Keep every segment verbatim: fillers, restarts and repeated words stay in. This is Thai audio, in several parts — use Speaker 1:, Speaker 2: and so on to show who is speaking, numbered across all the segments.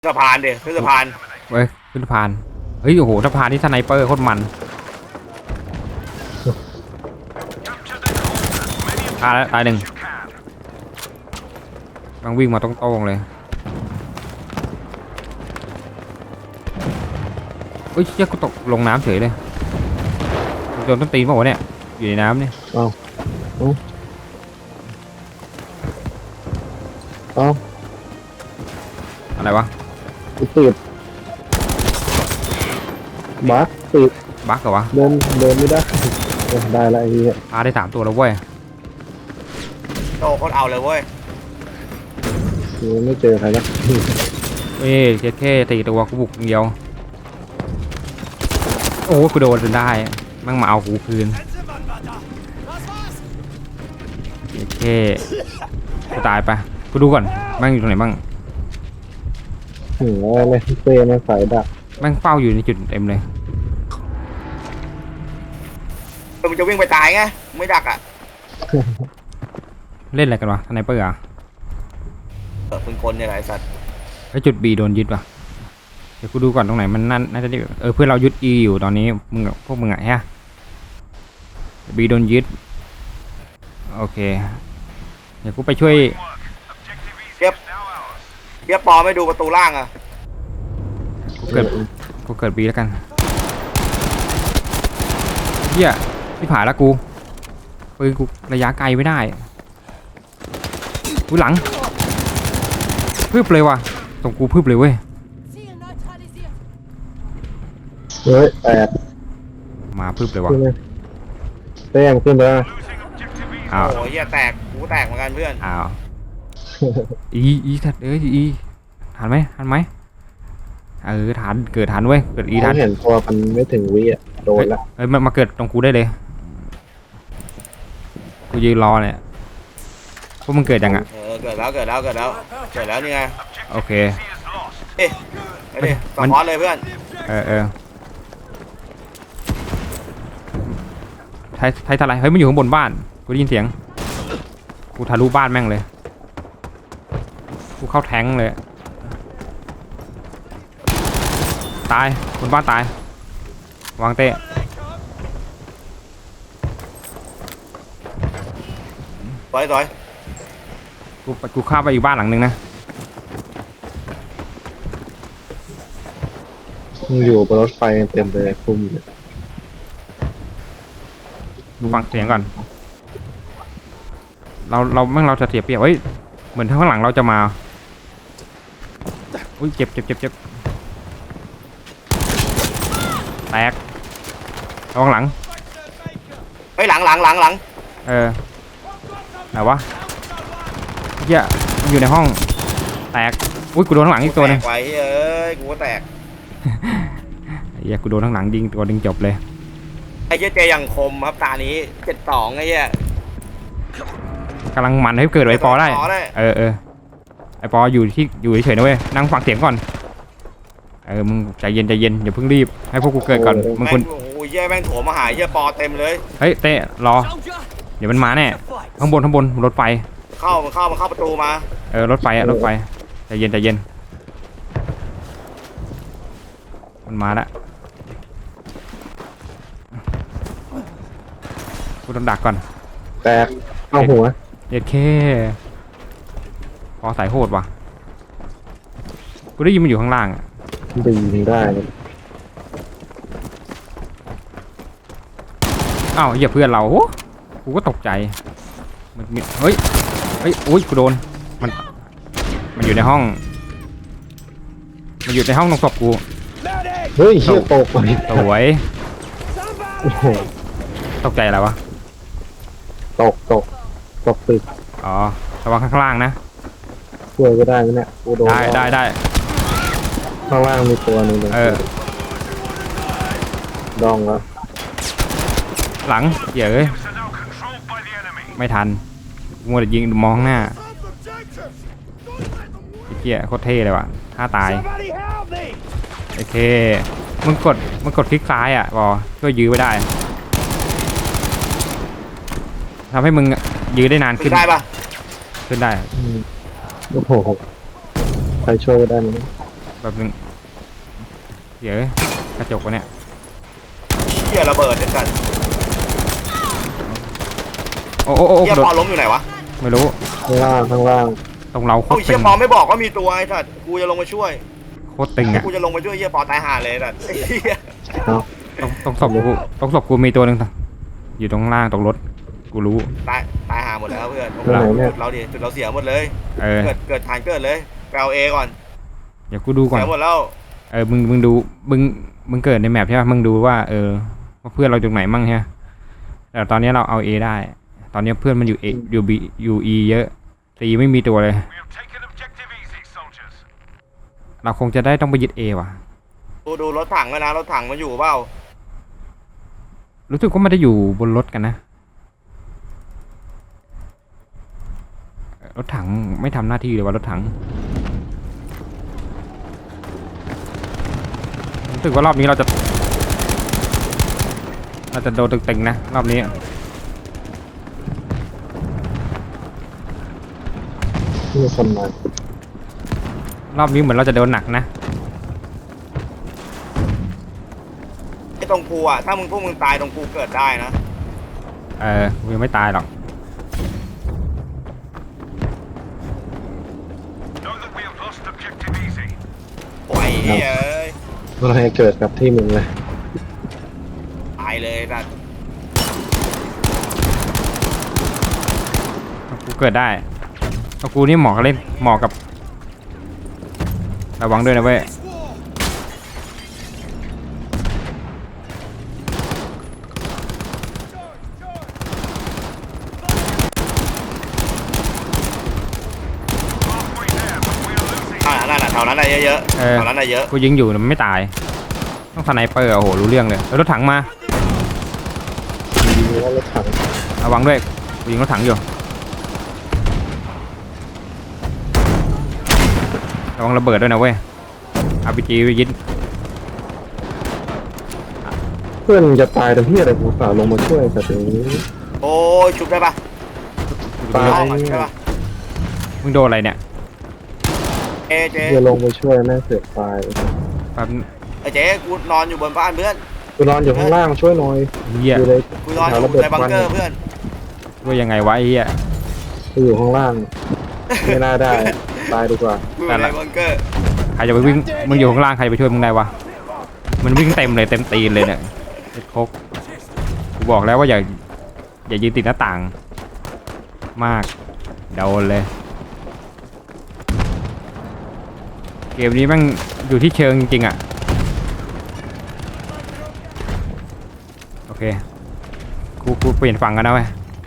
Speaker 1: สะพานเดี๋ยวขึ้นสะพาน
Speaker 2: เว้ยขึ้นสะพานเฮ้ยโอ้โหสะพานที่สไนเปอร์โคตรมันตายแล้วตายหนึ่งบางวิ่งมาตรงๆเลยเฮ้ยเชี่ยกูตกลงน้ำเฉยเลยโดนต้นตีนป่าวะเนี่ยอยู่ในน้ำเนี่ย
Speaker 3: เอาเอาเอา
Speaker 2: อะไรวะ
Speaker 3: ติดบั๊กติด
Speaker 2: บั๊กเหรอวะ
Speaker 3: เดินเดินไม่ได้ได้ละไอ้เหี้ย
Speaker 2: พาได้สามตัวแล้วเว้ย
Speaker 1: โตคนเอาเลยเว้ย
Speaker 3: ยังไม่เจอใครนะ
Speaker 2: เอ้ยแค่แค่ตีตัวกูบุกเดียวโอ้กูโดนจนได้มั่งมาเอากูคืนแค่กูตายไปกูดูก่อนมั่งอยู่ตรงไหนบ้าง
Speaker 3: ถึงอะไรเต้ในสายดัก
Speaker 2: แม่งเฝ้าอยู่ในจุดเต็มเลย
Speaker 1: มึงจะวิ่งไปตายไงไม่ดักอ่ะ
Speaker 2: เล่นอะไรกันวะสไนเปอร์อ่ะ
Speaker 1: เออเป็นคนเนี่ยไอ้สัตว์
Speaker 2: ไอจุด B โดนยึดวะเดี๋ยวกูดูก่อนตรงไหนมันนั่นน่าจะเออเพื่อนเรายึด E อยู่ตอนนี้มึงพวกมึงอ่ะฮะ B โดนยึดโอเคเดี๋ยวกูไปช่วย
Speaker 1: เทียบเทียบปอไม่ดูประตูล่างอ่ะ
Speaker 2: กูเกิดกูเกิด B แล้วกันเฮียที่ผ่านแล้วกูปืนกูระยะไกลไม่ได้กูหลังพึบเลยว่ะตรงกูพึบเลยเว้ย
Speaker 3: เฮ้ยแตก
Speaker 2: มาพึบเลยว่ะ
Speaker 3: เต้มขึ้นไปแล้ว
Speaker 2: อ้าว
Speaker 1: โอ้ยเฮียแตกกูแตกเหมือนกันเพื่อน
Speaker 2: อ้าวอีอีทัดเอ้ยอีทันไหมทันไหมเออทันเกิดทันเว้ยเกิดอีทัน
Speaker 3: เห็นตัวมันไม่ถึงวิอ่ะโดนละ
Speaker 2: เฮ้ยมันมาเกิดตรงกูได้เลยกูยืนรอเนี่ยพวกมึงเกิดยังอ่ะ
Speaker 1: เออเกิดแล้วเกิดแล้วเกิดแล้วเกิดแล้วนี่ไง
Speaker 2: โอเค
Speaker 1: เอ๊ะไอ้ดิสปอร์ตเลยเพื่อน
Speaker 2: เออเออไทยไทยทลายเฮ้ยมันอยู่ข้างบนบ้านกูได้ยินเสียงกูทะลุบ้านแม่งเลยกูเข้าแทงเลยตายบนบ้านตายวางเตะ
Speaker 1: ต่อยต่อย
Speaker 2: กูกูข้ามไปอีกบ้านหลังนึงนะ
Speaker 3: อยู่บนรถไฟเต็มเลยคุ้มเลย
Speaker 2: ดูฟังเสียงก่อนเราเราแม่งเราจะเสียเปรียบเฮ้ยเหมือนข้างหลังเราจะมาอุ้ยเจ็บเจ็บเจ็บเจ็บแตกระวังหลัง
Speaker 1: เฮ้ยหลังหลังหลังหลัง
Speaker 2: เออไหนวะเหี้ยมันอยู่ในห้องแตกอุ้ยกูโดนข้างหลังอีกตัวนึง
Speaker 1: แตกไว้เอ้ยกูก็แตก
Speaker 2: เหี้ยกูโดนข้างหลังยิงตัวดึงจบเลย
Speaker 1: ไอ้เจ๊เจยังคมครับตานี้เจ็ดสองไอ้เหี้ย
Speaker 2: กำลังมันให้เกิดไอปอได้เออเออไอปออยู่ที่อยู่เฉยๆนะเว้ยนั่งฟังเสียงก่อนเออมึงใจเย็นใจเย็นอย่าเพิ่งรีบให้พวกกูเกิดก่อนมึงคน
Speaker 1: โอ้ยเหี้ยแม่งโถมาหายเหี้ยปอเต็มเลย
Speaker 2: เฮ้ยเต้รอเดี๋ยวมันมาแน่ข้างบนข้างบนรถไฟ
Speaker 1: เข้ามันเข้ามันเข้าประตูมา
Speaker 2: เออรถไฟอะรถไฟใจเย็นใจเย็นมันมาแล้วกูต้องดักก่อน
Speaker 3: แตกเข้าหัว
Speaker 2: เด็ดแค่พอสายโหดว่ะกูได้ยินมันอยู่ข้างล่างอะ
Speaker 3: ดึงได้
Speaker 2: อ้าวเหยียบเพื่อนเราโอ้กูก็ตกใจมันเฮ้ยเฮ้ยอุ้ยกูโดนมันมันอยู่ในห้องมันอยู่ในห้องตรงศพกู
Speaker 3: เฮ้ยเชี่ยตกไป
Speaker 2: สวยตกใจอะไรวะ
Speaker 3: ตกตกตกตึก
Speaker 2: อ๋อระวังข้างล่างนะ
Speaker 3: ช่วยก็ได้นะเนี่ยกูโดน
Speaker 2: ได้ได้ได้
Speaker 3: ข้างล่างมีตัวนึง
Speaker 2: เออ
Speaker 3: ดองแล้ว
Speaker 2: หลังเหี้ยเอ้ยไม่ทันมัวแต่ยิงมองหน้าเหี้ยโคตรเท่เลยว่ะท่าตายโอเคมึงกดมึงกดคลิกซ้ายอ่ะบอช่วยยื้อไว้ได้ทำให้มึงยื้อได้นานขึ้น
Speaker 1: ได้ปะ
Speaker 2: ขึ้นได้
Speaker 3: โอ้โหใครช่วยก็ได้ไหม
Speaker 2: แบบนึงเดี๋ยวกระจกวะเนี่ย
Speaker 1: เฮียระเบิดด้วยกัน
Speaker 2: โอ้โอ้โอ้
Speaker 1: เฮีย
Speaker 2: โด
Speaker 1: ปอน ล้มอยู่ไหนวะ
Speaker 2: ไม่รู้
Speaker 3: ข้างล่างข้างล่าง
Speaker 2: ตรงเราโค
Speaker 1: โอ้
Speaker 2: ต
Speaker 1: ย
Speaker 2: ร
Speaker 1: เฮี
Speaker 2: ตึ
Speaker 1: ย
Speaker 2: ง
Speaker 1: ปอนไม่บอกว่ามีตัวไอ้สัตว์กูจะลงมาช่วย
Speaker 2: โคตรตึงอ่ะ
Speaker 1: กูจะลงมาช่วยเฮียปอนตายห่าเลยสัตว์ไอ้เฮีย
Speaker 3: เอา
Speaker 2: ตรงตรงศพกูตรงศพกูมีตัวหนึ่งอยู่ตรงล่างตรงรถกูรู้
Speaker 1: ตายตายห่าหมดแล้วเพื่อน
Speaker 3: ตัวไหนเนี่ย
Speaker 1: จุดเราดิจุดเราเสียหมดเลย
Speaker 2: เออ
Speaker 1: เกิดเกิดฐานเกิดเลยไปเอาเอก่อน
Speaker 2: เดี๋ยวกูดูก่อน
Speaker 1: เสียหมดแล้ว
Speaker 2: เออมึงมึงดูมึงมึงเกิดในแมปใช่ป่ะมึงดูว่าเออว่าเพื่อนเราอยู่ไหนมั่งใช่ไหมแต่ตอนนี้เราเอา A ได้ ตอนนี้เพื่อนมันอยู่ A อยู่ B อยู่ E เยอะตีไม่มีตัวเลย เราคงจะได้ต้องไปยึด A ว่ะ
Speaker 1: ดูดูรถถังกันนะรถถังมันอยู่เปล่า
Speaker 2: รู้สึกว่ามันจะอยู่บนรถกันนะรถถังไม่ทำหน้าที่เลยว่ารถถังรู้สึกว่ารอบนี้เราจะเราจะโดนตึงๆนะรอบนี้
Speaker 3: มีคนมาร
Speaker 2: อบนี้เหมือนเราจะโดนหนักนะ
Speaker 1: ไอ้ตรงกูอ่ะถ้ามึงพวกมึงตายตรงกูเกิดได้นะ
Speaker 2: เออกูยังไม่ตายหรอก
Speaker 1: โอ้ยเฮ้ยเอ้ย
Speaker 3: อะไรเกิดกับที่มึงเลย
Speaker 1: ตายเลยสัตว์
Speaker 2: กูเกิดได้เอากูนี่เหมาะกับเล่นเหมาะกับระวังด้วยนะเว้ย
Speaker 1: อ่านั่นแหละแถวนั้นได้เยอะๆ
Speaker 2: เออ
Speaker 1: แถวนั้นได้เยอะ
Speaker 2: กูยิงอยู่มันไม่ตายต้องสไนเปอร์โอ้โหรู้เรื่องเลยแล้วรถถังมา
Speaker 3: ยิงว่ารถถัง
Speaker 2: ระวังด้วยกูยิงรถถังอยู่ระวังระเบิดด้วยนะเว้ย อาร์ พี จี ยิง
Speaker 3: เพื่อนจะตายแต่พี่อะไรกูสาวลงมาช่วยแต่ตรงนี้
Speaker 1: โอ้ยชุบได้ปะ
Speaker 3: ตาย
Speaker 1: ห้องอ่ะใช่ปะ
Speaker 2: มึงโดนอะไรเนี่ย
Speaker 1: เอเจ
Speaker 3: จะลงไปช่วยแม่งเสือกตาย
Speaker 2: แป๊บ
Speaker 1: ไอ้เจ๊กูนอนอยู่บนบ้านเพื่อน
Speaker 3: กูนอนอยู่ข้างล่างช่วยหน่อย
Speaker 2: เหี้ย
Speaker 3: อยู่เลย
Speaker 1: กูนอนอยู่ในบังเกอร์เพื่อน
Speaker 2: ว่ายังไงวะไอ้เหี้ย
Speaker 3: กูอยู่ข้างล่างไม่น่าได้ตายดีกว่า
Speaker 1: กูอยู่ในบังเกอร์
Speaker 2: ใครจะไปวิ่งมึงอยู่ข้างล่างใครไปช่วยมึงได้วะมันวิ่งเต็มเลยเต็มตีนเลยเนี่ยไอ้โคกกูบอกแล้วว่าอย่าอย่ายืนติดหน้าต่างมากโดนเลยเกมนี้แม่งอยู่ที่เชิงจริงๆอ่ะโอเคกูกูเปลี่ยนฝั่งกันนะเว้ย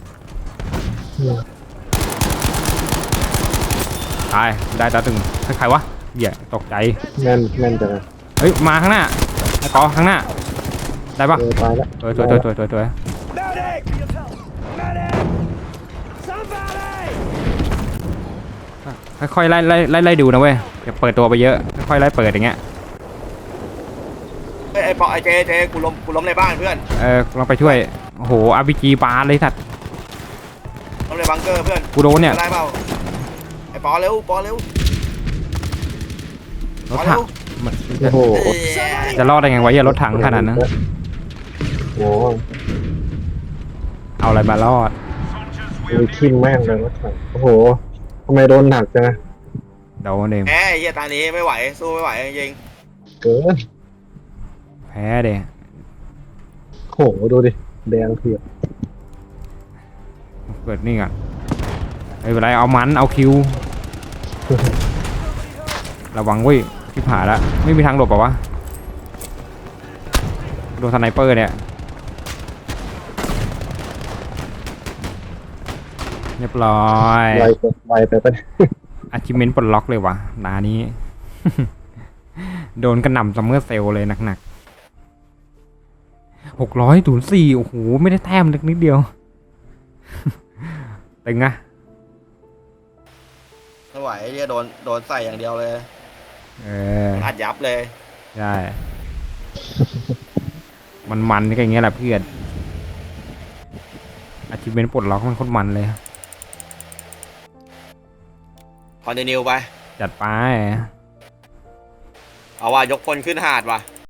Speaker 2: ตายได้ตาตึงใครวะเหี้ยตกใจ
Speaker 3: แม่นแม่นจังเลย
Speaker 2: เฮ้ยมาข้างหน้าไอ้กอข้างหน้าได้ปะ
Speaker 3: เออตายแล้ว
Speaker 2: สวยสวยสวยสวยสวยสวยค่อยๆไล่ไล่ไล่ไล่ดูนะเว้ยอย่าเปิดตัวไปเยอะค่อยๆไล่เปิดอย่างเงี้ย
Speaker 1: ไอ้ไอ้ปอไอ้เจเจกูล้มกูล้มในบ้านเพื่อน
Speaker 2: เออลองไปช่วยโอ้โห อาร์ พี จี ปาเลยสัตว์
Speaker 1: ล้มในบังเกอร์เพื่อน
Speaker 2: กูโดนเนี่ย
Speaker 1: ได้เปล่าไอ้ปอเร็วปอเร็ว
Speaker 2: รถถังมัน
Speaker 3: โอ้โห
Speaker 1: เอ้ย
Speaker 2: จะรอดได้ไงวะเหี้ยรถถังขนาดนั้น
Speaker 3: โอ้โห
Speaker 2: เอาอะไรมารอด
Speaker 3: มีทิ่มแม่งเลยรถถังโอ้โหทำไมโดนหนักจังอะ
Speaker 2: โดนเอง
Speaker 1: แหมไอ้เฮียตานี้ไม่ไหวสู้ไม่ไหวจริง
Speaker 3: เกิน
Speaker 2: แพ้เด้
Speaker 3: โหดูดิแดงเผือก
Speaker 2: เปิดนี่ก่อนไม่เป็นไรเอามันเอาคิวระวังเว้ยที่ผ่าละไม่มีทางหลบเปล่าวะโดนสไนเปอร์เนี่ยเรียบร้อย
Speaker 3: ไวไปไวไปปะเนี่ย
Speaker 2: อาชิเมนต์ปลดล็อกเลยวะนานี้ โดนกระหน่ำซัมเมอร์เซลเลยหนักๆหกร้อยศูนย์สี่โอ้โหไม่ได้แต้มเล็กนิดเดียว ตึงอะ
Speaker 1: ๆไม่ไหวไอ้เฮียโดนโดนใส่อย่างเดียวเลย
Speaker 2: เออ
Speaker 1: อัดยับเลย
Speaker 2: ใช่ มันมันก็อย่างเงี้ยแหละเพื่อนอาชิเมนต์ปลดล็อกมันโคตรมันเลย
Speaker 1: คอนติเนียไป
Speaker 2: จัดไป
Speaker 1: เอาว่ะยกพลขึ้นหาดว่ะ